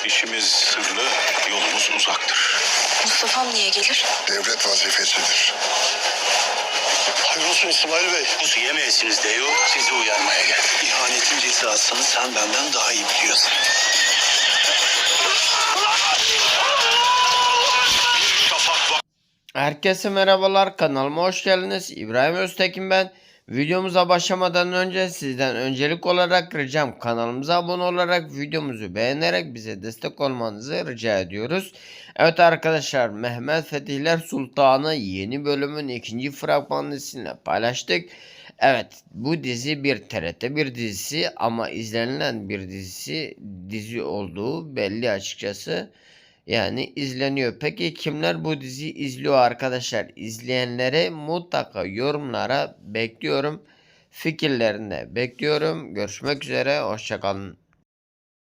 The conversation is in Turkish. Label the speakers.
Speaker 1: İşimiz sırlı, yolumuz uzaktır.
Speaker 2: Mustafa'm niye gelir?
Speaker 3: Devlet vazifesidir.
Speaker 4: Hayırolsun İsmail Bey.
Speaker 1: Kuzu yemeyesiniz diyor, sizi uyarmaya geldim.
Speaker 4: İhanetin cezasını sen benden daha iyi biliyorsun.
Speaker 5: Herkese merhabalar, kanalıma hoş geldiniz. İbrahim Öztekin ben. Videomuza başlamadan önce sizden öncelik olarak ricam kanalımıza abone olarak videomuzu beğenerek bize destek olmanızı rica ediyoruz. Evet arkadaşlar, Mehmet Fetihler Sultanı yeni bölümün ikinci fragmanını sizinle paylaştık. Evet, bu dizi bir TRT bir dizisi ama izlenilen bir dizi olduğu belli açıkçası. Yani izleniyor. Peki kimler bu diziyi izliyor arkadaşlar? İzleyenlere mutlaka yorumlara bekliyorum. Fikirlerini bekliyorum. Görüşmek üzere. Hoşça kalın.